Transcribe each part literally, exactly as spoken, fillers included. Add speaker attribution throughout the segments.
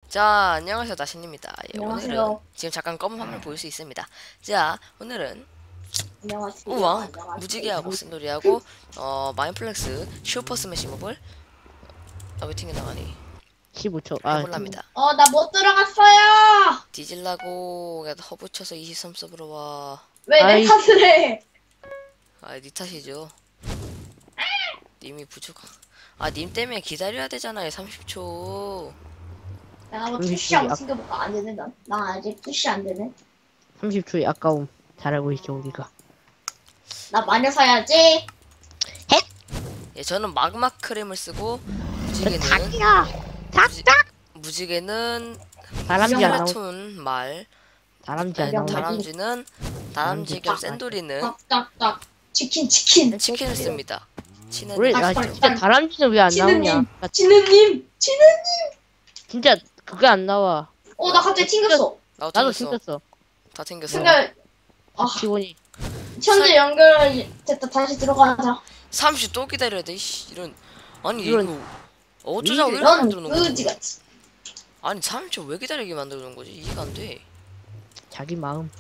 Speaker 1: 자, 안녕하세요. 나신입니다. 예,
Speaker 2: 안녕하세요.
Speaker 1: 오늘은 지금 잠깐 검은 화면 보일 수 있습니다. 자, 오늘은
Speaker 2: 안녕하세요.
Speaker 1: 우왕,
Speaker 2: 안녕하세요.
Speaker 1: 무지개하고 쓴돌이하고 어, 마인플렉스 슈퍼 스매시 모블 아, 왜 튕겨 나가니?
Speaker 3: 십오 초. 아,
Speaker 1: 해볼랍니다.
Speaker 2: 어, 나 못 들어갔어요.
Speaker 1: 뒤질라고 그냥 허브쳐서 이십삼 서브로 와.
Speaker 2: 왜 내
Speaker 3: 아이.
Speaker 2: 탓을 해?
Speaker 1: 아, 니 탓이죠. 님이 부족. 아, 님 때문에 기다려야 되잖아요. 삼십 초.
Speaker 2: 내가 뭐
Speaker 3: 삼십
Speaker 2: 푸시하고
Speaker 3: 초야.
Speaker 2: 챙겨볼까? 안 되네, 난. 나 아직 푸시 안 되네.
Speaker 3: 삼십 초의 아까움. 잘하고 있죠, 우리가.
Speaker 2: 나 마녀 사야지.
Speaker 1: 예, 저는 마그마 크림을 쓰고 무지개는
Speaker 3: 닭이야!
Speaker 1: 무지,
Speaker 3: 닭!
Speaker 1: 무지개는
Speaker 3: 다람쥐 안 나오,
Speaker 1: 스플래툰 말
Speaker 3: 다람쥐 안
Speaker 1: 아니,
Speaker 3: 나오네.
Speaker 1: 다람쥐는 다람쥐 겸
Speaker 2: 닭.
Speaker 1: 샌돌이는
Speaker 2: 딱, 딱, 딱. 치킨, 치킨.
Speaker 1: 치킨을 씁니다. 치는
Speaker 3: 우리,
Speaker 2: 닭,
Speaker 3: 나
Speaker 2: 닭,
Speaker 3: 진짜
Speaker 2: 닭.
Speaker 3: 다람쥐는 왜 안 나오냐?
Speaker 2: 치느님,
Speaker 3: 나
Speaker 2: 치느님, 치느.
Speaker 3: 진짜 그게 안 나와.
Speaker 2: 어, 나 갑자기 튕겼어.
Speaker 1: 나도
Speaker 3: 나도
Speaker 1: 튕겼어.
Speaker 3: 생겼어.
Speaker 1: 다 튕겼어.
Speaker 2: 근데, 아,
Speaker 3: 기본이.
Speaker 2: 현재 연결 됐다. 다시 들어가자.
Speaker 1: 삼십 또 기다려야 돼. 이씨, 이런 아니
Speaker 3: 이런-
Speaker 1: 이거 어쩌자고 이렇게
Speaker 2: 넌
Speaker 1: 만들어 놓은
Speaker 2: 의지
Speaker 1: 거지?
Speaker 2: 같이.
Speaker 1: 아니 삼십 초 왜 기다리게 만들어 놓은 거지? 이해가 안 돼.
Speaker 3: 자기 마음.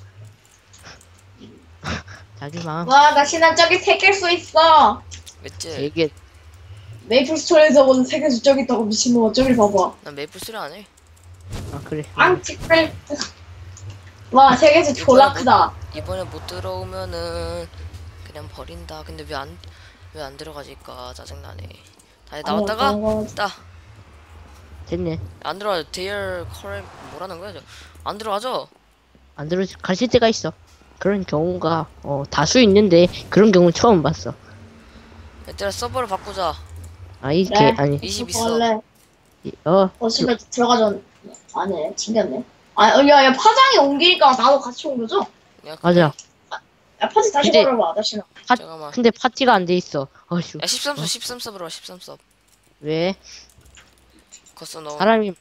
Speaker 3: 자기 마음.
Speaker 2: 와, 나 신한 저기 새길 수 있어.
Speaker 1: 맷째.
Speaker 3: 되게,
Speaker 2: 메이플 스토리에서 본 세계수 저기 있다고 미친놈아. 저기 봐봐.
Speaker 1: 난 메이플 수리 안 해.
Speaker 3: 아, 그래.
Speaker 2: 앙치크레. 와, 세계수 졸라 크다.
Speaker 1: 이번에 못 들어오면은 그냥 버린다. 근데 왜 안 왜 안 들어가질까 짜증나네. 다시 나왔다가 따.
Speaker 3: 됐네.
Speaker 1: 안 들어가죠. 데이얼 커렉 뭐라는 거야? 저. 안 들어가죠?
Speaker 3: 안 들어, 가실 때가 있어. 그런 경우가, 어, 다수 있는데, 그런 경우 처음 봤어.
Speaker 1: 얘들아 서버를 바꾸자.
Speaker 3: 아, 이게,
Speaker 2: 그래.
Speaker 3: 아니,
Speaker 1: 이십 있어.
Speaker 2: 원래
Speaker 3: 이- 어,
Speaker 2: 어 집에 들어가전 안해 튕겼네. 아, 어, 야, 야, 파장이 옮기니까 나도 같이 옮겨줘.
Speaker 1: 야,
Speaker 3: 맞아.
Speaker 2: 야, 파지 다시
Speaker 3: 근데-
Speaker 2: 걸어봐, 다시나.
Speaker 3: 파,
Speaker 1: 잠깐만.
Speaker 3: 근데 파티가 안 돼 있어. 어휴.
Speaker 1: 야 십삼 섭
Speaker 3: 어?
Speaker 1: 십삼 섭으로 와. 십삼 섭.
Speaker 3: 왜?
Speaker 1: 걷어 넣어.
Speaker 3: 사람이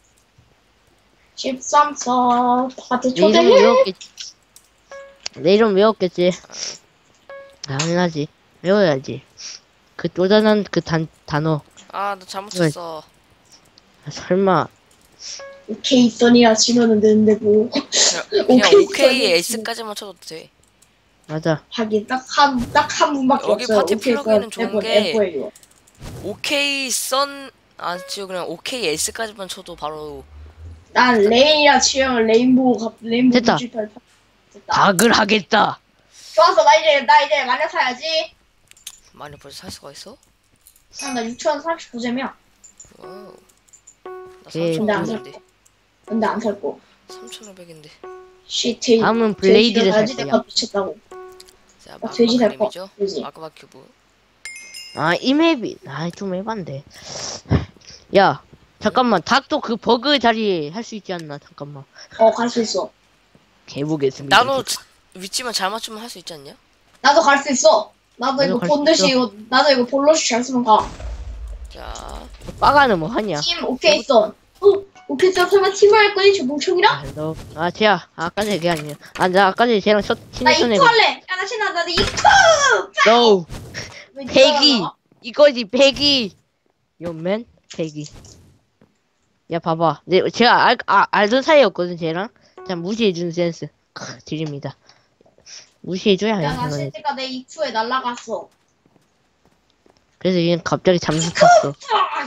Speaker 2: 십삼 서 파티
Speaker 3: 내 이름
Speaker 2: 초대해.
Speaker 3: 외웠겠지. 내 이름 외웠겠지. 당연하지. 외워야지. 그 쪼잔한 그 단, 단어.
Speaker 1: 아, 너 잘못
Speaker 3: 왜?
Speaker 1: 쳤어.
Speaker 3: 아, 설마.
Speaker 2: 오케이, 써니야, 진호는 되는데 뭐.
Speaker 1: 그냥, 그냥
Speaker 2: 오케이,
Speaker 1: 오케이
Speaker 2: 써니.
Speaker 1: S까지만 쳐도 돼.
Speaker 3: 맞아.
Speaker 2: 하긴 딱 한 딱 한 분밖에
Speaker 1: 여기
Speaker 2: 없어요.
Speaker 1: 파티
Speaker 2: 오케이,
Speaker 1: 플러그인은
Speaker 2: 써,
Speaker 1: 좋은
Speaker 2: F,
Speaker 1: 게-
Speaker 2: F예요.
Speaker 1: 오케이 선 안 치고 그냥 오케이 S까지만 쳐도 바로
Speaker 2: 난 레인이라 치면 레인보우 갑 레인보우
Speaker 3: 됐다.
Speaker 2: 뮤직팔 파- 됐다.
Speaker 3: 닭을 하겠다.
Speaker 2: 좋았어, 나 이제 나 이제 마녀 사야지.
Speaker 1: 많이 벌써 살 수가 있어?
Speaker 2: 아, 나 육천삼십구 잼이야.
Speaker 1: 와우. 나
Speaker 3: 오케이.
Speaker 1: 삼천오백인데.
Speaker 2: 근데 안 살 거.
Speaker 1: 삼천오백인데.
Speaker 2: 시트.
Speaker 3: 다음은 블레이드를 살 거야.
Speaker 2: 내가 미쳤다고.
Speaker 1: 자,
Speaker 2: 나
Speaker 1: 마그마
Speaker 2: 돼지 살 거.
Speaker 1: 그림이죠?
Speaker 2: 돼지.
Speaker 1: 마그마 큐브.
Speaker 3: 아, 이 맵이. 아, 좀 에반데. 야, 잠깐만. 닭도 그 버그 자리 할 수 있지 않나? 잠깐만.
Speaker 2: 어, 갈 수 있어.
Speaker 3: 개보겠습니다.
Speaker 1: 나도 자- 위치만 잘 맞추면 할 수 있지 않냐?
Speaker 2: 나도 갈 수 있어. 나도
Speaker 3: 나도
Speaker 2: 이거
Speaker 3: 갈수
Speaker 2: 본듯이
Speaker 3: 있어.
Speaker 2: 이거 나도 이거 볼러시 잘 쓰면 가.
Speaker 1: 자,
Speaker 3: 빠가는 뭐 하냐?
Speaker 2: 팀 오케이 써. 어, 오케이 써. 설마 팀을 할 거니? 저 멍청이랑?
Speaker 3: 아, 너. 아, 쟤야. 아까 전에 그게 아니야. 아, 나 아까 전에 쟤랑 첫,
Speaker 2: 나
Speaker 3: 친했던
Speaker 2: 이프
Speaker 3: 애가.
Speaker 2: 할래. 야, 나 신나. 나도 이프.
Speaker 3: No!
Speaker 2: 왜 네가
Speaker 3: 패기!
Speaker 2: 나가?
Speaker 3: 이거지, 패기! 요맨? 패기. 야, 봐봐. 내, 제가 알, 아, 알던 사이였거든, 쟤랑. 자, 무시해주는 센스. 크, 드립니다. 무시해줘야 해,
Speaker 2: 야, 나
Speaker 3: 이거는.
Speaker 2: 실제가 내 이프에 날라갔어.
Speaker 3: 그래서 얘는 갑자기 잠수 탔어.
Speaker 2: 아,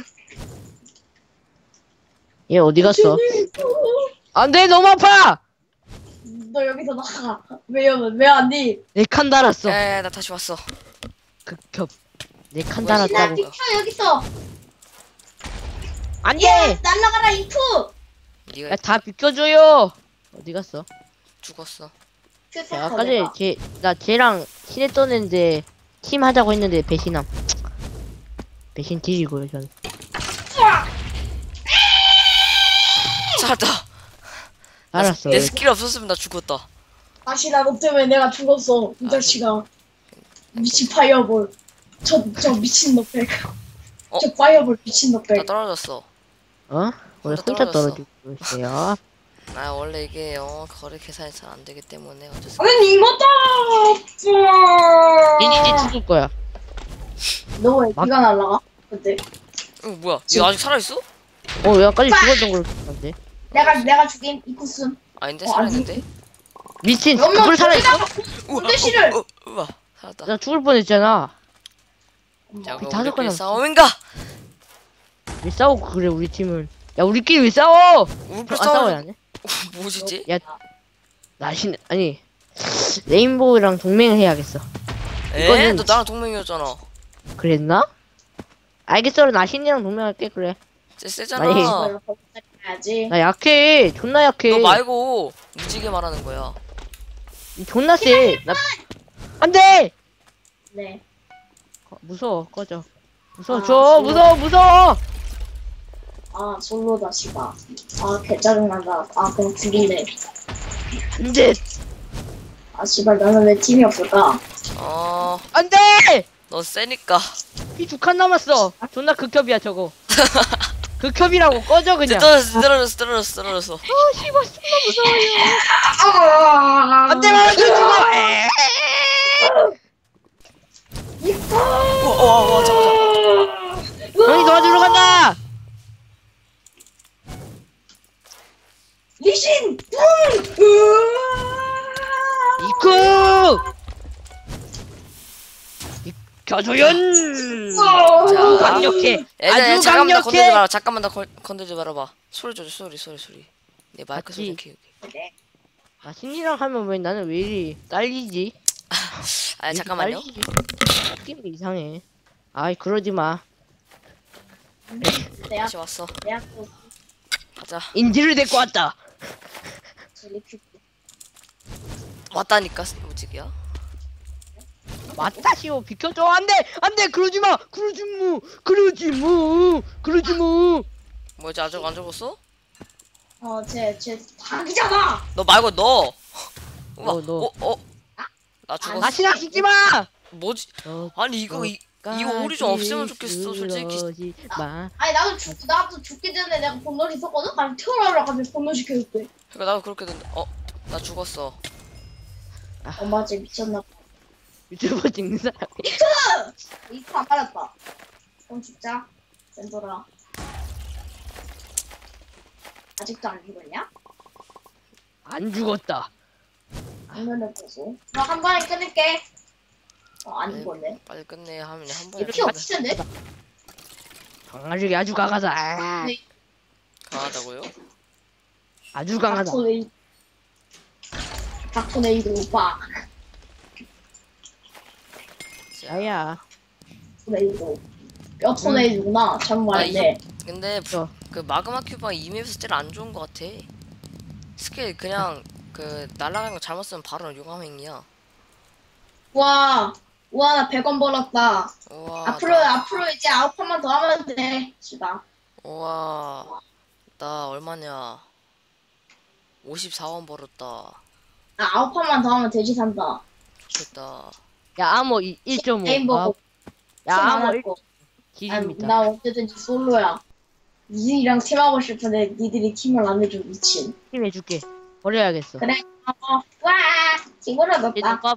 Speaker 3: 얘 어디 갔어? 안 돼, 너무 아파!
Speaker 2: 너 여기서 나가. 왜요? 왜 안 돼?
Speaker 3: 내 칸 달았어.
Speaker 1: 야야야 나 다시 왔어.
Speaker 3: 극협. 내 칸
Speaker 1: 뭐야,
Speaker 2: 신나
Speaker 3: 달았다고.
Speaker 1: 뭐야.
Speaker 2: 비켜 여기서.
Speaker 3: 안
Speaker 2: 야,
Speaker 3: 돼!
Speaker 2: 날라가라 이프.
Speaker 1: 네가
Speaker 3: 야, 다 비켜줘요! 어디 갔어?
Speaker 1: 죽었어.
Speaker 3: 야, 아까 전에 쟤, 나 쟤랑 친했던 애인데, 팀 하자고 했는데 배신함. 배신 딜이고요, 전.
Speaker 1: 살았다.
Speaker 3: 알았어.
Speaker 1: 내 스킬 없었으면 나 죽었다.
Speaker 2: 다시 나너 때문에 내가 죽었어. 이
Speaker 1: 아,
Speaker 2: 자식아. 미친 파이어볼. 저, 저 미친 놈백.
Speaker 1: 어?
Speaker 2: 저 파이어볼 미친
Speaker 1: 나
Speaker 2: 놈백.
Speaker 1: 떨어졌어.
Speaker 3: 어? 왜
Speaker 1: 혼자
Speaker 3: 혼자
Speaker 1: 떨어졌어.
Speaker 3: 떨어지고 있어요?
Speaker 1: 나 원래 이게 어 거래 계산이 잘 안 되기 때문에 어쩔 수.
Speaker 2: 아니 이거다.
Speaker 3: 니 이제 죽을 거야.
Speaker 2: 너왜
Speaker 3: 막-
Speaker 2: 비가 날라가? 근데
Speaker 1: 어 뭐야? 얘 아직 살아 있어?
Speaker 3: 어, 여기까지 죽었던 걸로 기억하는데.
Speaker 2: 내가 내가 죽인 이쿠슨.
Speaker 1: 아닌데
Speaker 2: 어,
Speaker 1: 살아있는데?
Speaker 3: 미친,
Speaker 2: 몇명
Speaker 3: 그걸 살아있어?
Speaker 2: 군대실을.
Speaker 1: 어, 어, 우와 살았다.
Speaker 3: 나 죽을 뻔했잖아.
Speaker 1: 자 그럼
Speaker 3: 다섯
Speaker 1: 우리끼리
Speaker 3: 건
Speaker 1: 싸움인가?
Speaker 3: 왜 싸우고 그래, 우리 팀은. 야, 우리끼리 왜 싸워?
Speaker 1: 우리끼리
Speaker 3: 아, 싸워야 하네?
Speaker 1: 뭐지지?
Speaker 3: 야, 나신, 아니, 레인보우랑 동맹을 해야겠어.
Speaker 1: 에?
Speaker 3: 이거는
Speaker 1: 너 나랑 동맹이었잖아.
Speaker 3: 그랬나? 알겠어, 나신이랑 동맹할게, 그래.
Speaker 1: 쟤 세잖아.
Speaker 3: 아니.
Speaker 2: 이걸로 해야지.
Speaker 3: 나 약해, 존나 약해.
Speaker 1: 너 말고 무지개 말하는 거야.
Speaker 3: 존나 세. 나, 안 돼!
Speaker 2: 네.
Speaker 3: 어, 무서워, 꺼져. 무서워,
Speaker 2: 아,
Speaker 3: 줘, 무서워, 무서워!
Speaker 2: 아 솔로다 씨발. 아 개짜증난다. 아 그럼 죽일래.
Speaker 3: 안 돼!
Speaker 2: 아 씨발 나는 왜 팀이 없을까?
Speaker 1: 어,
Speaker 3: 안 돼!
Speaker 1: 너 세니까.
Speaker 3: 피 두 칸 남았어. 존나 극협이야, 저거. 극협이라고, 꺼져,
Speaker 1: 쟤
Speaker 3: 그냥.
Speaker 1: 떨어졌어, 떨어졌어, 떨어졌어, 떨어졌어.
Speaker 3: 어, 씨발, 존나 무서워요.
Speaker 2: 아,
Speaker 3: 안 돼, 말아줘, 죽어! 에이.
Speaker 1: 우와, 우와, 우와, 잠깐, 잠깐.
Speaker 3: 형이 도와주러 간다!
Speaker 2: 리신!
Speaker 3: 이쿠! 겨조연!
Speaker 1: 자,
Speaker 3: 강력해!
Speaker 1: 얘들아,
Speaker 3: 아주
Speaker 1: 잠깐만 더 건들지
Speaker 3: 강력해!
Speaker 1: 마라. 잠깐만 더 건- 건들지 말아봐. 소리 줘, 소리, 소리, 소리. 내 마이크 소리
Speaker 3: 맞지?
Speaker 1: 키우게.
Speaker 3: 아, 신이랑 하면 왜 나는 왜 이리 딸리지?
Speaker 1: 아, 잠깐만요.
Speaker 3: 느낌이 이상해. 아이, 그러지 마.
Speaker 2: 대학
Speaker 1: 다시 왔어.
Speaker 2: 대학교
Speaker 1: 가자.
Speaker 3: 인지를 데리고 왔다.
Speaker 2: 젤리큐.
Speaker 1: 왔다니까, 무지개야.
Speaker 3: 맞다, 시오. 비켜줘. 안 돼! 안 돼! 그러지 마! 그러지 무! 그러지 무! 그러지 무!
Speaker 1: 뭐지, 아직 안 죽었어?
Speaker 2: 어쟤쟤 닭이잖아.
Speaker 1: 너 말고 너. 우와,
Speaker 3: 어, 너.
Speaker 1: 어, 어. 나 죽었어.
Speaker 3: 다시나 죽지 마!
Speaker 1: 뭐지?
Speaker 3: 어,
Speaker 1: 아니 이거 이, 이거 오리 좀 없으면 좋겠어, 솔직히.
Speaker 3: 그러지 마.
Speaker 2: 아니 나도 죽 나도 죽기 전에 내가 본능 있었거든. 아니 태어나려 가지고 본능 시켜줄게.
Speaker 1: 그러니까 나도 그렇게 된다. 어, 나 죽었어.
Speaker 2: 엄마 쟤 미쳤나 봐.
Speaker 3: 유튜버 찍는 사람이.
Speaker 2: 이거 안 받았다. 그럼 죽자. 센터라. 아직도 안 죽었냐?
Speaker 3: 안 죽었다.
Speaker 2: 장면을 보고. 나 한 번에 끊을게. 어, 안
Speaker 1: 네.
Speaker 2: 죽었네.
Speaker 1: 빨리 끝내 하면 한 번에
Speaker 2: 이렇게
Speaker 1: 끝내.
Speaker 2: 없을 텐데?
Speaker 3: 강아지 아주 강하다. 아,
Speaker 2: 네.
Speaker 1: 강하다고요?
Speaker 3: 아주 강하다.
Speaker 2: 닥터네이. 닥터네이도 오빠.
Speaker 3: 야야.
Speaker 2: 토네이도. 뼈 토네이도구나. 잘못 말했네.
Speaker 1: 근데
Speaker 3: 어.
Speaker 1: 그 마그마 큐브가 이 맵에서 제일 안 좋은 것 같아. 스킬 그냥 그 날아가는 거 잘못 쓰면 바로 용암행이야.
Speaker 2: 와. 와, 나 백 원 벌었다.
Speaker 1: 우와.
Speaker 2: 앞으로,
Speaker 1: 나,
Speaker 2: 앞으로 이제 아홉 판만 더 하면 돼. 시다.
Speaker 1: 우와. 나 얼마냐? 오십사 원 벌었다.
Speaker 2: 나 아홉 판만 더 하면 돼지 산다.
Speaker 1: 좋겠다.
Speaker 3: 야 암호 일 점 오.
Speaker 2: 게임 보고.
Speaker 3: 야
Speaker 2: 팀안
Speaker 3: 암호
Speaker 2: 할
Speaker 3: 일
Speaker 2: 거.
Speaker 3: 길입니다.
Speaker 2: 나 언제든지 솔로야. 니들이랑 팀하고 싶은데 니들이 팀을 안 해줘 미친.
Speaker 3: 팀 해줄게. 버려야겠어.
Speaker 2: 그래. 어. 와. 친구를
Speaker 3: 얘들
Speaker 2: 넣었다.
Speaker 3: 밥.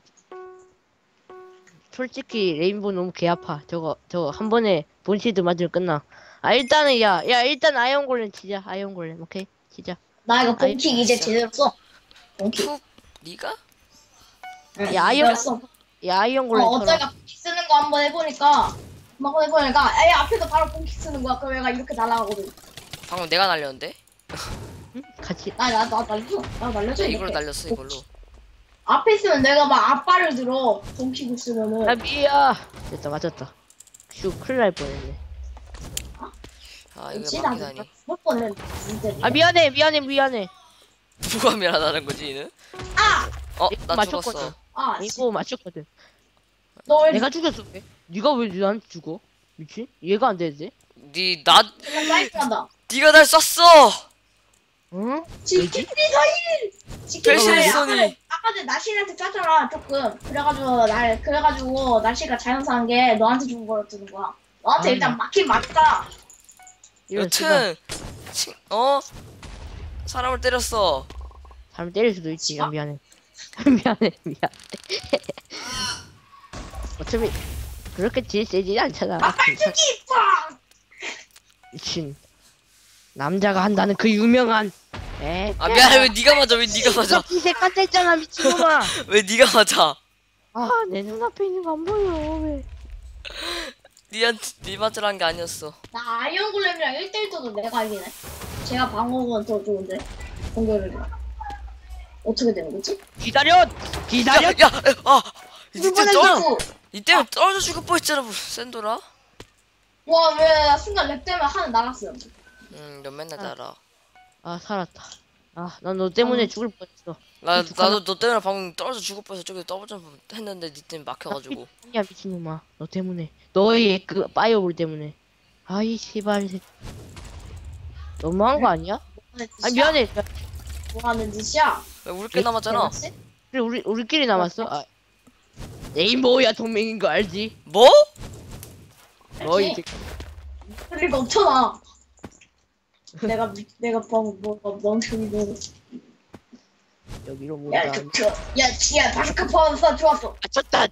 Speaker 3: 솔직히 레인보우 너무 개 아파. 저거 저거 한 번에 본시드 맞으면 끝나. 아 일단은 야 야 일단 아이언 골렘 치자. 아이언 골렘 오케이 치자.
Speaker 2: 나 이거
Speaker 3: 아이,
Speaker 2: 본킥 이제
Speaker 1: 진짜.
Speaker 2: 제대로 써. 본킥.
Speaker 1: 푹 니가?
Speaker 2: 응,
Speaker 3: 야, 아이언-
Speaker 2: 제대로 써.
Speaker 3: 야 아이언
Speaker 2: 어,
Speaker 3: 골렘 쳐라.
Speaker 2: 어쩌니까 본킥 쓰는 거 한번 해보니까 한번 해보니까 애 앞에서 바로 본킥 쓰는 거야. 그럼 얘가 이렇게 날아가거든.
Speaker 1: 방금 내가 날렸는데?
Speaker 3: 응? 같이.
Speaker 2: 나나나 날려. 나 날려줘.
Speaker 1: 나 이걸로
Speaker 2: 이렇게.
Speaker 1: 날렸어 이걸로.
Speaker 2: 앞에 있으면 내가 막 앞발을 들어. 본킥을 쓰면은.
Speaker 3: 야 미야. 됐다 맞았다. 슈 큰일 날 뻔했네.
Speaker 1: 아 이거
Speaker 2: 진짜
Speaker 1: 막히다니.
Speaker 2: 몇 번은 진짜.
Speaker 3: 아 미안해 미안해 미안해.
Speaker 1: 누가 미안하다는 거지 얘는?
Speaker 2: 아!
Speaker 1: 어?
Speaker 3: 이거
Speaker 1: 나
Speaker 3: 맞췄거든.
Speaker 1: 죽었어.
Speaker 2: 아, 씨.
Speaker 3: 이거 맞췄거든.
Speaker 2: 너왜
Speaker 3: 내가 죽였어. 왜? 네가 왜 나한테 죽어? 미친? 이해가 안 되지?
Speaker 1: 니 나
Speaker 2: 사이트한다.
Speaker 1: 니가 날 쐈어.
Speaker 3: 응?
Speaker 2: 지키리가 일! 지키리가
Speaker 1: 배신의
Speaker 2: 일!
Speaker 1: 손이.
Speaker 2: 아까, 아까 전에 나시한테 쐈잖아 조금. 그래가지고 날 그래가지고 나시가 자연사한 게 너한테 준 거였던 거야. 너한테
Speaker 3: 아,
Speaker 2: 일단 맞긴 맞다.
Speaker 3: 이런 수가
Speaker 1: 여튼 친, 어? 사람을 때렸어.
Speaker 3: 사람 때릴 수도 있지. 야, 미안해. 미안해 미안해. 어차피 그렇게 딜 세지 않잖아.
Speaker 2: 막발주기 빡!
Speaker 3: 미친. 남자가 한다는 그 유명한 에?
Speaker 1: 아 미안해 왜 네가 맞아 왜 네가 맞아
Speaker 3: 피색 같았잖아 미친놈아.
Speaker 1: 왜 네가 맞아
Speaker 3: 아 내 눈앞에 있는 거 안 보여 왜?
Speaker 1: 니한테 네 맞으란 게 아니었어.
Speaker 2: 나 아이언 골렘이랑 일 대 일 떠도 내가 이기네. 제가 방어구는 더 좋은데. 공격력이. 어떻게 되는 거지?
Speaker 3: 기다려 기다려.
Speaker 1: 야야아 이때
Speaker 2: 이번엔
Speaker 1: 떨어
Speaker 2: 누구?
Speaker 1: 이때 떨어져 죽을 뻔했잖아 뭐, 센도라.
Speaker 2: 와, 왜 나 순간 렉 때문에 하늘 나갔어요.
Speaker 1: 음너 맨날 날아.
Speaker 3: 아 살았다. 아 난 너 때문에
Speaker 2: 어.
Speaker 3: 죽을 뻔했어.
Speaker 1: 나
Speaker 3: 죽-
Speaker 1: 나도 너 때문에 방금 떨어져 죽을 뻔해서 저기 떨어져 했는데 니 때문에 막혀가지고.
Speaker 3: 야 미친놈아 너 때문에 너의 그 파이어볼 때문에. 아이 씨발 새- 너무한 거 아니야?
Speaker 2: 뭐하는
Speaker 3: 아
Speaker 2: 짓이야?
Speaker 3: 미안해.
Speaker 2: 뭐 하는 짓이야?
Speaker 1: 왜 우리끼리 남았잖아.
Speaker 2: 대박씨?
Speaker 3: 그래 우리 우리끼리 남았어. 아, 레인보우야 동맹인 거 알지?
Speaker 1: 뭐?
Speaker 3: 너 이제
Speaker 2: 그럴 리가 없잖아. 내가 미- 내가 방금 뭐가 멍청이도.
Speaker 3: 여기로
Speaker 2: 야,
Speaker 3: 모다.
Speaker 2: 저, 저, 야, 야, 바스카 파워사 좋았어.
Speaker 3: 아 쳤다.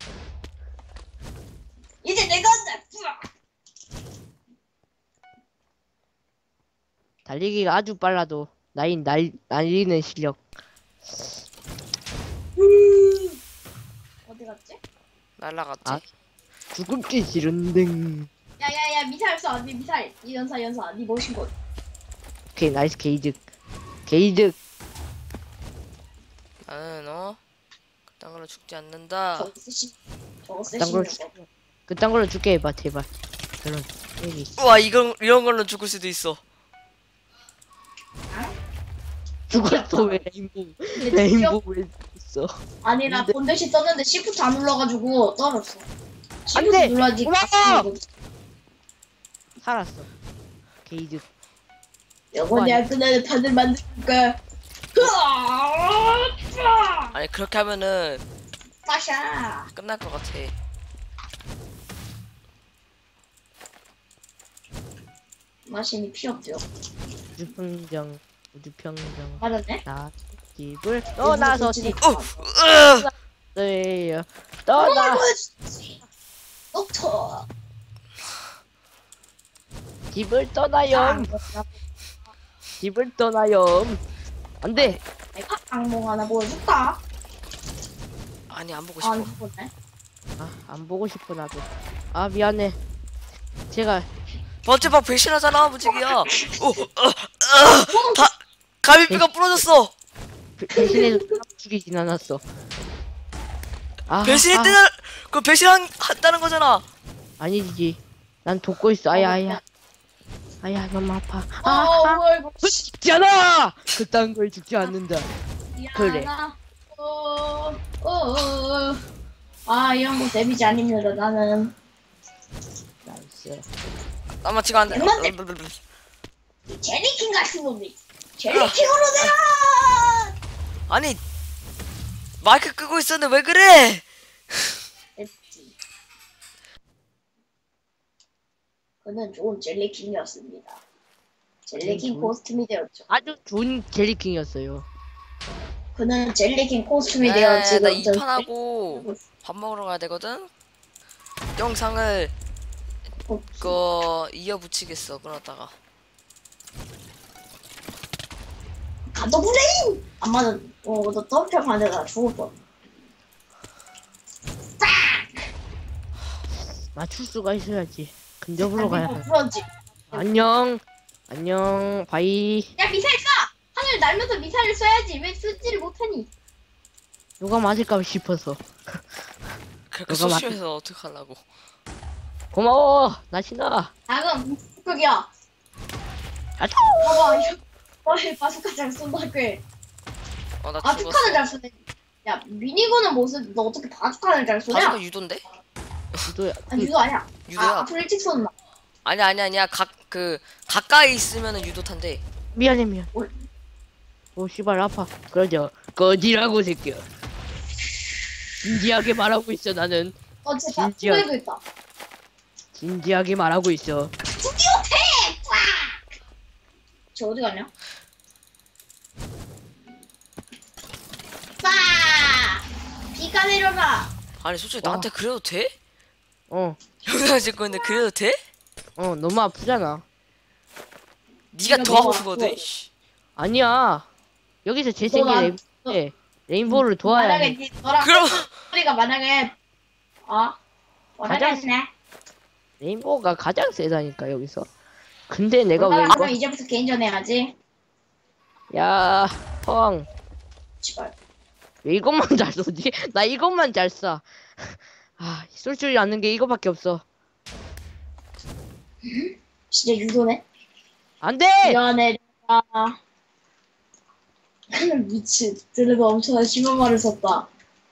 Speaker 2: 이제 내가 한다. 뿌아.
Speaker 3: 달리기가 아주 빨라도 나인 날 날리는 실력.
Speaker 2: 음. 어디 갔지?
Speaker 1: 날라갔지.
Speaker 3: 아. 죽음기 싫은데.
Speaker 2: 야야야 미사일 쏴. 니 미사일. 이 연사 연사. 니 멋진 거.
Speaker 3: 오케이 나이스 게이득. 게이득.
Speaker 1: 나는 어 그딴 걸로 죽지 않는다.
Speaker 2: 저거 쓰시. 저거
Speaker 3: 그딴 걸로
Speaker 2: 쓰시는 거.
Speaker 3: 그딴 걸로 줄게 해봐 제발. 그런 얘기.
Speaker 1: 우와 이건 이런 걸로 죽을 수도 있어.
Speaker 3: 죽었어 왜 레인보우?
Speaker 2: 근데 진짜-
Speaker 3: 레인보우 왜 있어?
Speaker 2: 아니 나
Speaker 3: 근데-
Speaker 2: 본대시 썼는데 시프트 안 눌러가지고 떨었어. 시프트
Speaker 3: 안 돼!
Speaker 2: 눌러야지.
Speaker 3: 올라가!
Speaker 2: 가슴이
Speaker 3: 살았어. 게이득.
Speaker 2: 이거 내가 그날 다들 만들까. 으아!
Speaker 1: 아니 그렇게 하면은
Speaker 2: 빠샤.
Speaker 1: 끝날 것 같아.
Speaker 2: 마신이 필요 없죠.
Speaker 3: 우주평정 우주평정
Speaker 2: 맞았네.
Speaker 3: 나 집을 떠나서 집
Speaker 1: 어, 으,
Speaker 3: 떠요 떠나
Speaker 2: 녹터.
Speaker 3: 집을 떠나요 집을 떠나요 안돼
Speaker 2: 내가 악몽 하나 보여줄까?
Speaker 1: 아니 안 보고
Speaker 2: 아,
Speaker 1: 싶어.
Speaker 2: 안 보네.
Speaker 3: 아 안 보고 싶어 나도 아 미안해 제가
Speaker 1: 번째 방 배신하잖아 무지개야. 오, 어, 어, 다 갈비뼈가 부러졌어.
Speaker 3: 배- 배신해서 사람 죽이진 않았어 아,
Speaker 1: 배신했다는 그 배신한 한다는 거잖아.
Speaker 3: 아, 아니지 난 돕고 있어 아야 아야 아야 너무 아파
Speaker 2: 어,
Speaker 3: 아, 아.
Speaker 2: 뭐 이거.
Speaker 3: 죽잖아 그딴 걸 죽지 않는다 그래.
Speaker 2: 미안하다. 어, 어, 어. 아, 이런 거 데미지 아닙니다. 나는
Speaker 3: 나이스
Speaker 1: 아마 지금 안 돼.
Speaker 2: 얼마인데? 제리킹 같은 놈이. 제리킹으로 내가.
Speaker 1: 아니 마이크 끄고 있었는데 왜 그래?
Speaker 2: 됐지. 그는 좋은 젤리킹이었습니다. 젤리킹
Speaker 3: 좋은-
Speaker 2: 코스튬이 되었죠.
Speaker 3: 아주 좋은 젤리킹이었어요
Speaker 2: 그는 젤리킹 코스튬이
Speaker 1: 야,
Speaker 2: 되어
Speaker 1: 야, 야,
Speaker 2: 지금
Speaker 1: 나 이 판 하고
Speaker 2: 전-
Speaker 1: 밥 먹으러 가야 되거든. 영상을
Speaker 2: 어,
Speaker 1: 그 이어 붙이겠어. 끊었다가.
Speaker 2: 가도 브레인! 안 맞아. 어, 너 점프 반대다 죽을 뻔.
Speaker 3: 맞출 수가 있어야지 근접으로 가야 돼
Speaker 2: 그런지.
Speaker 3: 안녕 안녕 바이
Speaker 2: 야, 미사일 쏴! 하늘 날면서 미사일을 쏴야지. 왜 쓰지를 못하니?
Speaker 3: 누가 맞을까 싶어서
Speaker 1: 그렇게
Speaker 3: 너가
Speaker 1: 소심해서 어떡하려고.
Speaker 3: 고마워 나신아
Speaker 2: 작은 폭격이야.
Speaker 3: 아차
Speaker 2: 봐봐, 이거. 너의 바스카 잘 쏜다, 꽤.
Speaker 1: 어, 나
Speaker 2: 바스카를
Speaker 1: 죽었어.
Speaker 2: 잘 쏘네. 야, 미니건은 못 쏘, 너 어떻게 바스카를 잘 쏘냐?
Speaker 1: 바스가 유도인데?
Speaker 3: 유도야
Speaker 2: 아니, 유도 아니야.
Speaker 1: 유도야.
Speaker 2: 아, 앞으로 일찍 쏜다.
Speaker 1: 아니 아니 아니야. 각 그 가까이 있으면은 유도 탄대.
Speaker 3: 미안해 미안
Speaker 2: 뭘.
Speaker 3: 오 씨발 아파 그러죠 거지라고 새끼야 진지하게 말하고 있어 나는
Speaker 2: 어, 진짜
Speaker 3: 진지하게.
Speaker 2: 후회도 있다.
Speaker 3: 진지하게 말하고 있어
Speaker 2: 드디어 태! 꽉! 저 어디 갔냐? 빠! 비가 내려라.
Speaker 1: 아니 솔직히
Speaker 3: 와.
Speaker 1: 나한테 그래도 돼?
Speaker 3: 어
Speaker 1: 영상 찍고 있는데 그래도 돼?
Speaker 3: 어 너무 아프잖아
Speaker 1: 네가
Speaker 2: 네가
Speaker 1: 더
Speaker 2: 너무
Speaker 1: 아프거든.
Speaker 2: 아프고.
Speaker 1: 씨.
Speaker 3: 아니야. 여기서 재생의
Speaker 2: 나-
Speaker 3: 레인, 레인보우를 도와야
Speaker 2: 만약에
Speaker 3: 해.
Speaker 2: 니 너랑
Speaker 1: 그럼
Speaker 2: 소리가 만약에 어
Speaker 3: 가장
Speaker 2: 모르겠네.
Speaker 3: 레인보우가 가장 세다니까 여기서. 근데 내가 왜
Speaker 2: 몰라
Speaker 3: 이거?
Speaker 2: 그럼 이제부터 개인전 해야지.
Speaker 3: 야, 펑.
Speaker 2: 씨발.
Speaker 3: 왜 이것만 잘 쏘지? 나 이것만 잘 쏴. 아, 쏠 줄이 아는 게 이거밖에 없어.
Speaker 2: 진짜 유도네.
Speaker 3: 안 돼!
Speaker 2: 미안해. 아. 미친. 드래가 엄청난 심한 말을 썼다.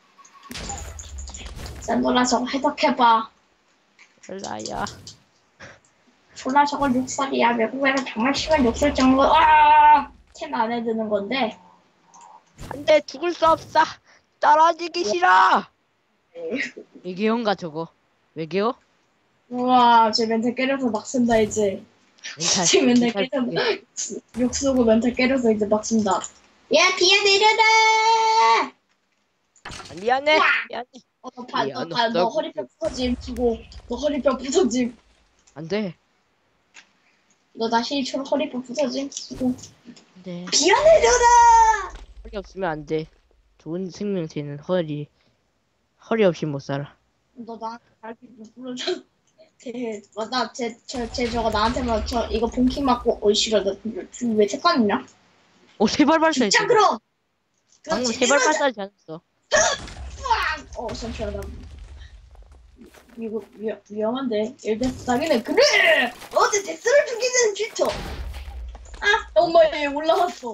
Speaker 2: 샌돌아 저거 해석해봐.
Speaker 3: 라야.
Speaker 2: 졸라 저거 욕설이야. 외국에는 정말 심한 욕설 정도. 아! 캔 안에 드는 건데.
Speaker 3: 안 돼, 죽을 수 없어. 떨어지기 싫어. 외계어인가 저거? 외계어?
Speaker 2: 우와, 쟤 멘탈 깨려서 막 쓴다 이제.
Speaker 3: 멘탈.
Speaker 2: 쟤 멘탈
Speaker 3: 멘탈
Speaker 2: 깨려서 욕 쓰고 멘탈 깨려서 이제 막 쓴다. 야, 비야 내려라!
Speaker 3: 아, 미안해.
Speaker 2: 우와!
Speaker 3: 미안해.
Speaker 2: 어, 너, 봐, 너,
Speaker 3: 미안,
Speaker 2: 봐, 너
Speaker 3: 없다고.
Speaker 2: 허리뼈 부서짐 주고, 너 허리뼈 부서짐.
Speaker 3: 안 돼.
Speaker 2: 너 다시 일처럼 허리뼈 부서짐 주고.
Speaker 3: 안 돼.
Speaker 2: 비야 내려라!
Speaker 3: 허리 없으면 안 돼. 좋은 생명체는 허리. 허리 없이 못 살아.
Speaker 2: 너 나한테 갈비 못 불러줘. 쟤, 맞다, 쟤, 저, 쟤 저거 나한테만 저, 이거 본킹 맞고, 어이, 싫어, 너 지금 왜 색깔이냐?
Speaker 3: 오, 세발 발사했어.
Speaker 2: 진짜 그럼!
Speaker 3: 방금
Speaker 2: 그렇지,
Speaker 3: 세발
Speaker 2: 내려오자.
Speaker 3: 발사하지 않았어.
Speaker 2: 으악! 어, 잠시만, 나. 이거 위, 위험한데. 일대스 당연히 그래! 어제 데스를 죽이는 쥐터! 아! 엄마, 얘 올라왔어.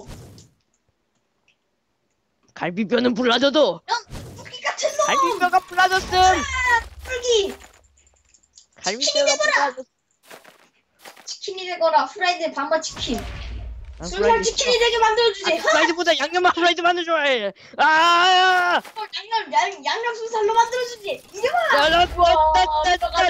Speaker 3: 갈비뼈는 불라져도
Speaker 2: 토끼 같은 놈!
Speaker 3: 갈비뼈가 불라졌음.
Speaker 2: 털기!
Speaker 3: 갈비뼈가 불라졌음.
Speaker 2: 치킨이 되거라, 프라이드 반반 치킨.
Speaker 3: 난
Speaker 2: 순살
Speaker 3: 프라이드
Speaker 2: 치킨이 되게 만들어주지.
Speaker 3: 아, 프라이드보다 양념 프라이드 만들 좋아해. 아!
Speaker 2: 어, 양념, 양, 양념 순살로 만들어주지. 이리 와!
Speaker 3: 야, 나 좋았다.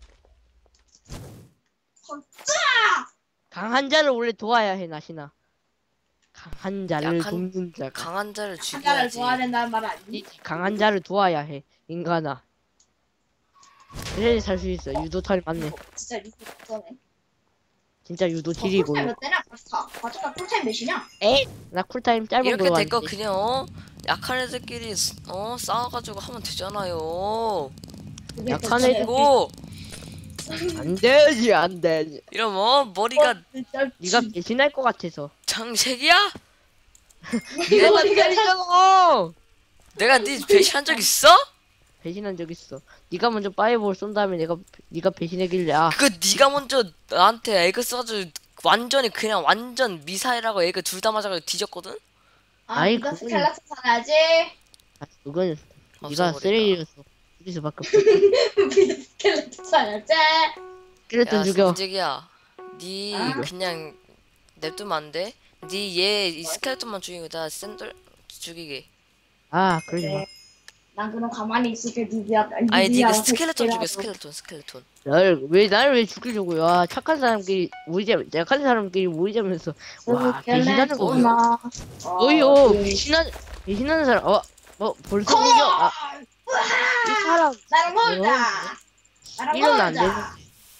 Speaker 2: 걷자!
Speaker 3: 강한 자를 원래 도와야 해, 나시나. 강한 자를
Speaker 1: 약한-
Speaker 3: 돕는 자가.
Speaker 1: 강한 자를
Speaker 2: 한자를
Speaker 1: 죽여야지.
Speaker 2: 좋아야 된다는 말 아니?
Speaker 3: 이 강한 자를 도와야 해, 인간아. 그래야 살 수 있어. 유도탈 맞네.
Speaker 2: 진짜 리뷰 없어네.
Speaker 3: 진짜 유도 딜이고.
Speaker 2: 쿨타임 몇 대냐? 바스타. 바스타 쿨타임 몇이냐?
Speaker 3: 에? 나 쿨타임 짧은
Speaker 1: 이렇게
Speaker 3: 걸로
Speaker 1: 될 거
Speaker 3: 왔는데.
Speaker 1: 그냥 어? 약한 애들끼리 어 싸워가지고 하면 되잖아요.
Speaker 2: 그게
Speaker 3: 약한
Speaker 2: 진짜
Speaker 3: 애들-
Speaker 1: 그리고
Speaker 3: 안 되지, 안 되지.
Speaker 1: 이러면 어, 머리가
Speaker 2: 진짜
Speaker 3: 네가 배신할 것 같아서.
Speaker 1: 장색이야?
Speaker 3: 네가
Speaker 2: 머리가
Speaker 3: 때리잖아.
Speaker 1: 내가 네 배신한 적 있어?
Speaker 3: 배신한 적 있어. 네가 먼저 파이어볼 쏜 다음에 내가 네가 배신하길래 아
Speaker 1: 그거 네가 먼저 나한테 에그 써가지고 완전히 그냥 완전 미사일하고 에그 둘 다 맞아가지고 뒤졌거든?
Speaker 2: 아,
Speaker 3: 아이,
Speaker 2: 네가
Speaker 3: 그건-
Speaker 2: 스칼라트 살아야지.
Speaker 3: 아, 그건 네가
Speaker 1: 없어버린다.
Speaker 3: 쓰레기였어. 죽일 수밖에 없어.
Speaker 2: 네가 스칼라트 살아야지.
Speaker 3: 그랬던
Speaker 1: 야
Speaker 3: 죽여.
Speaker 1: 승직이야 니
Speaker 2: 아.
Speaker 1: 그냥 냅두면 안 돼? 니얘 스켈레톤만 죽이고 나 샌들 죽이게.
Speaker 3: 아 그러지 마.
Speaker 2: 난 그럼 가만히 있을게. 니가
Speaker 1: 아니 니가 스켈레톤 죽여 스켈레톤 스켈레톤.
Speaker 3: 날왜날 왜 죽이려고요? 아, 착한 사람끼리 모이자, 약한 사람끼리 모이자면서 와 배신하는 거 보여. 어이요 배신한 배신하는 사람 어뭐 벌써
Speaker 2: 컴온!
Speaker 3: 보여? 아, 이 사람
Speaker 2: 나랑 놀자. 나랑
Speaker 3: 이러면 안
Speaker 2: 놀자.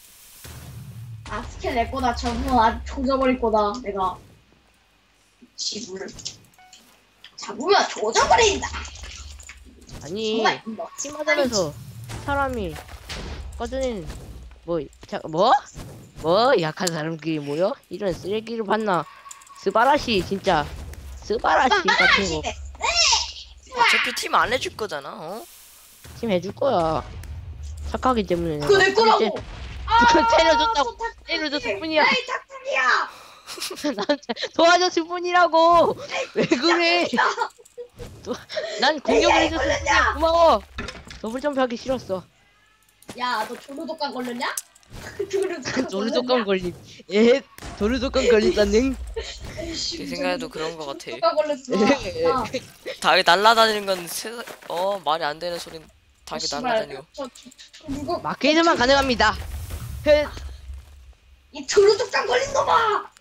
Speaker 2: 아 스킬 내 거다. 저분 아주 조져버릴 거다. 내가 지불 잡으면 조져버린다.
Speaker 3: 아니
Speaker 2: 정말 뭐.
Speaker 3: 팀하자면서 사람이 꺼져낸 뭐자뭐 뭐 약한 사람끼리 모여 이런 쓰레기를 봤나? 스바라시 진짜 스바라시 같은 거
Speaker 1: 어차피 팀 안 해줄 거잖아. 어?
Speaker 3: 팀 해줄 거야. 착하기 때문에.
Speaker 2: 그거 내
Speaker 3: 내가
Speaker 2: 거라고.
Speaker 3: 이제
Speaker 2: 아,
Speaker 3: 그거 때려줬다고.
Speaker 2: 저 탁탁이.
Speaker 3: 때려줬을 뿐이야.
Speaker 2: 에이 탁탁이야.
Speaker 3: 나한테 도와줬을 뿐이라고. 왜 그래? 도, 난 공격을
Speaker 2: 에이,
Speaker 3: 해줬을
Speaker 2: 걸렸냐?
Speaker 3: 뿐이야. 고마워. 더블 점프하기 싫었어.
Speaker 2: 야, 너 조르독감 걸렸냐? 조르독감
Speaker 3: 도르독감 걸림. 에? 도르독감 걸린다는?
Speaker 1: 제 생각에도 그런 거 같아.
Speaker 2: 조르독감 걸렸어. 야,
Speaker 1: 닭이 날라다니는 건 세상 어 말이 안 되는 소린 닭이
Speaker 2: 씨발,
Speaker 1: 날라다녀.
Speaker 2: 저, 저, 저, 누구?
Speaker 3: 마케이드만 가능합니다. 헷.
Speaker 2: 이 조르독감 걸린 놈아!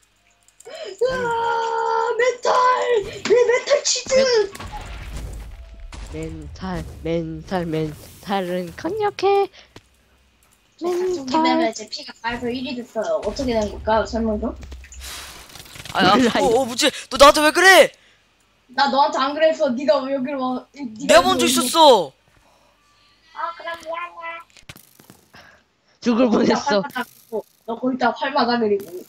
Speaker 2: 으아, 멘탈! 내 멘탈 치즈!
Speaker 3: 멘탈, 멘탈, 멘탈은 강력해.
Speaker 2: 멘탈. 제 피가 가에서 일이 됐어요. 어떻게 된 걸까요? 설명 좀?
Speaker 1: 아야.
Speaker 3: 몰라요.
Speaker 1: 어, 어 뭐지? 너 나한테 왜 그래?
Speaker 2: 나 너한테 안 그랬어. 네가 왜 여기로 와? 네가
Speaker 1: 내가 먼저
Speaker 2: 여기-
Speaker 1: 있었어.
Speaker 2: 아 그럼 미안해.
Speaker 3: 죽을
Speaker 2: 너 거기다
Speaker 3: 뻔했어.
Speaker 2: 활마다 그리고 너 거기다 활마다 그리고.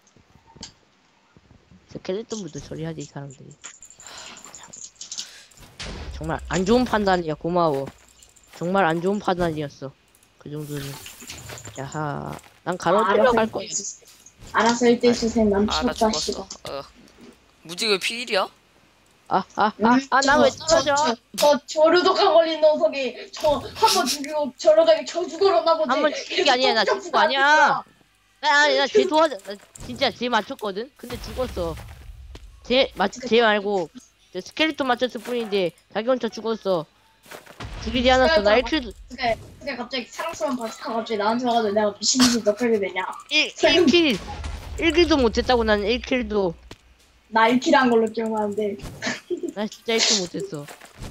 Speaker 3: 스켈레톤부터 처리하지 이 사람들이. 참. 정말 안 좋은 판단이야. 고마워. 정말 안 좋은 판단이었어. 그 정도는. 야하. 난 가로질러 갈 거야.
Speaker 2: 알아서 일 대 수생 난
Speaker 1: 아 나
Speaker 2: 미쳤다
Speaker 1: 죽었어.
Speaker 2: 씨발.
Speaker 1: 어. 무지 왜 피일이야?
Speaker 3: 아, 아, 아, 아, 나 왜 떨어져?
Speaker 2: 저, 저, 저르도가 걸린 녀석이 저 한 번 죽이고 저러다가 저 죽어렸나 보지.
Speaker 3: 한번 죽인 게 아니야. 나 죽은 거 아니야. 나, 아니, 나쟤 도와줘. 나 진짜 쟤 맞췄거든? 근데 죽었어. 쟤, 맞, 쟤 말고, 저 스켈레톤 맞췄을 뿐인데, 자기 혼자 죽었어. 죽이지 않았어. 나 일 킬도,
Speaker 2: 그게 그게 갑자기 사랑스러운 바스카 갑자기 나한테 와가지고 내가 미친 듯이 너 빼게 되냐?
Speaker 3: 일, 일 킬, 일 킬도 못했다고 나는 일 킬도.
Speaker 2: 나 일 킬 한 걸로 기억하는데.
Speaker 3: 나 진짜 일 킬 못했어.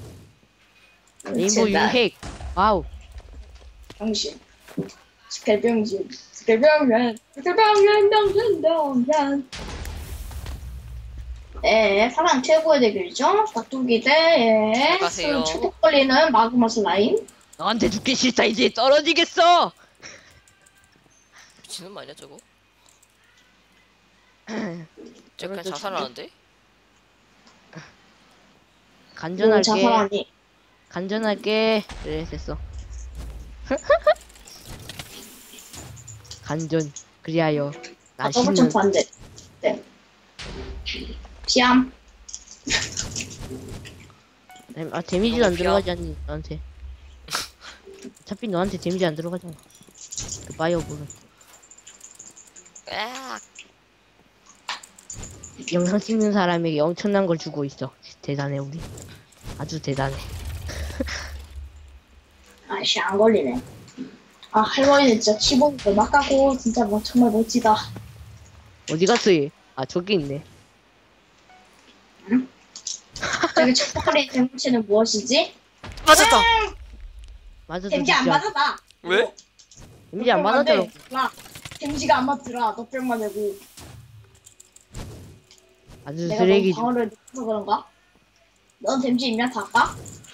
Speaker 3: 레인보우 유핵. 와우.
Speaker 2: 병신. 스켈병신. 스켈병신. 스켈병신 병신 병신. 네, 사람 최고의 대결이죠. 닭두기 대 예.
Speaker 1: 안녕하세요.
Speaker 2: 초록 걸리는 마그마 슬라임.
Speaker 3: 너한테 죽기 싫다. 이제 떨어지겠어.
Speaker 1: 미친놈 아니야 저거? 저
Speaker 3: 저걸
Speaker 1: 그냥
Speaker 3: 또
Speaker 1: 자살하는데?
Speaker 3: 간전할게.
Speaker 2: 자살하니.
Speaker 3: 간전할게. 그래, 됐어. 간전. 그리하여.
Speaker 2: 아,
Speaker 3: 나
Speaker 2: 더블
Speaker 3: 신는.
Speaker 2: 점프 안 돼. 네. 피암.
Speaker 3: 아, 데미지도
Speaker 1: 이거
Speaker 3: 안
Speaker 1: 피야?
Speaker 3: 들어가지 않니, 너한테. 어차피 너한테 데미지 안 들어가잖아. 그 바이오볼은.
Speaker 1: 으악.
Speaker 3: 영상 찍는 사람에게 엄청난 걸 주고 있어. 대단해, 우리. 아주 대단해.
Speaker 2: 아씨, 안 걸리네. 아, 할머니는 진짜 키보드 막 가고, 진짜 뭐, 정말 멋지다.
Speaker 3: 어디 갔어, 얘? 아, 저기 있네.
Speaker 2: 저기 초콜릿 대물체는 무엇이지?
Speaker 1: 맞았다.
Speaker 3: 맞아도
Speaker 2: 댐지 안
Speaker 3: 진짜.
Speaker 2: 맞았다.
Speaker 1: 왜?
Speaker 3: 데미지 안 맞았더라고.
Speaker 2: 나 댐지가 안 맞더라. 너 뿅만 내고.
Speaker 3: 아주
Speaker 2: 내가 너무
Speaker 3: 쓰레기.
Speaker 2: 방어를 못해서 그런가? 넌 댐지 있냐? 다 까?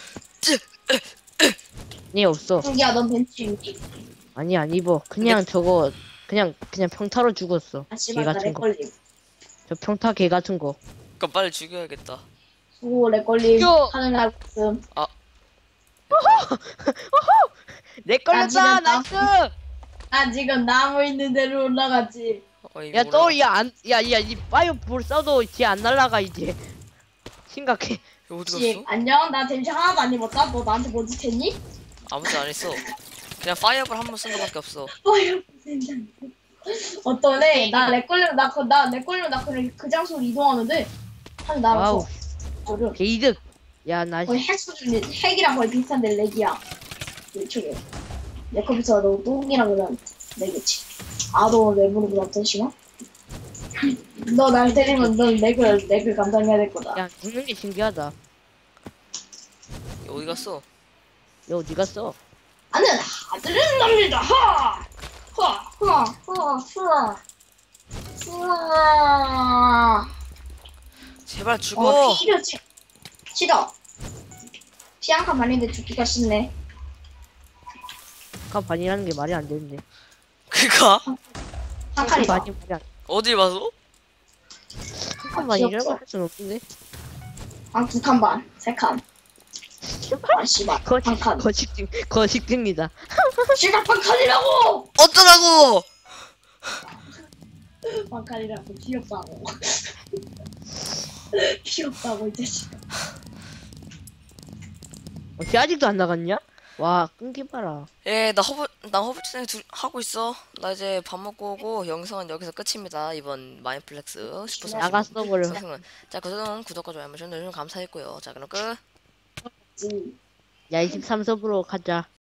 Speaker 3: 네, 없어.
Speaker 2: 승기야, 넌 댐지 있니?
Speaker 3: 아니, 안 입어. 그냥 저거, 그냥, 그냥 평타로 죽었어.
Speaker 2: 아,
Speaker 3: 개
Speaker 2: 씨발, 나
Speaker 3: 같은 거.
Speaker 2: 렉걸림.
Speaker 3: 저 평타 개 같은 거.
Speaker 1: 그럼 빨리 죽여야겠다.
Speaker 2: 수고, 렉걸림.
Speaker 3: 죽여!
Speaker 2: 하늘 알고 있음.
Speaker 3: 내
Speaker 2: 걸렸다,
Speaker 3: 걸렸다!
Speaker 2: 나이스!
Speaker 3: 나이스!
Speaker 2: 나 지금 나무 있는 데로 올라갔지.
Speaker 1: 어이,
Speaker 3: 야,
Speaker 1: 몰라.
Speaker 3: 또, 야, 안, 야, 야, 이 파이어볼 써도 쟤 안 날라가, 이제. 심각해.
Speaker 1: 이거 어디
Speaker 2: 씨,
Speaker 1: 갔어?
Speaker 2: 안녕. 나 댐지 하나도 안 입었다. 너 나한테 뭐 짓했니?
Speaker 1: 아무도 안 했어. 그냥 파이어볼 한 번 쓴 거밖에 없어.
Speaker 2: 어휴, 진짜. 어떤 애, 나 렉걸리면 나, 그, 나 렉걸리면 나 그냥 그 장소로 이동하는데, 하늘
Speaker 3: 와우.
Speaker 2: 날아서. 저를
Speaker 3: 개이득. 야, 나,
Speaker 2: 거의 핵 수준이, 핵이랑 거의 비슷한데 렉이야. 이쪽에. 내 컴퓨터가 너 똥이랑 그냥 렉이지. 아, 너 렉으로 그냥 심어? 너 날 때리면 넌 렉을, 렉을 감당해야 될 거다.
Speaker 3: 야, 죽는 게 신기하다.
Speaker 1: 어디 갔어?
Speaker 3: 야, 어디 갔어?
Speaker 2: 나는 아들은 납니다. 하! 하! 하! 하! 하! 하!
Speaker 1: 제발
Speaker 2: 어,
Speaker 1: 죽어.
Speaker 2: 피려지. 싫어. 피 한 칸 반인데 죽기가 싫네.
Speaker 3: 아까 반이라는 게 말이 안 되는데.
Speaker 1: 그가
Speaker 2: 한 칸이다.
Speaker 3: 반이 말이 안,
Speaker 1: 어디 봐서?
Speaker 3: 한 반이라고 할 수는 없는데.
Speaker 2: 아, 두 칸 반. 세 칸. 아, 씨발. 한
Speaker 3: 거식,
Speaker 2: 칸.
Speaker 3: 거식증, 거식증이다.
Speaker 2: 씨발, 한 칸이라고!
Speaker 1: 어쩌라고?
Speaker 2: 한 칸이라고. 귀엽다고. 귀엽다고, 이 자식.
Speaker 3: 어, 쟤 아직도 안 나갔냐? 와, 끊기봐라.
Speaker 1: 예, 나 허브 나 허브진행 둘 하고 있어. 나 이제 밥 먹고 오고 영상은 여기서 끝입니다. 이번 마인플렉스 슈퍼
Speaker 3: 나갔어, 버려.
Speaker 1: 상승은 자, 그동안 구독과 좋아요 해주셔서 감사했고요. 자, 그럼 끝.
Speaker 2: 음.
Speaker 3: 야, 이십삼 섭으로 가자.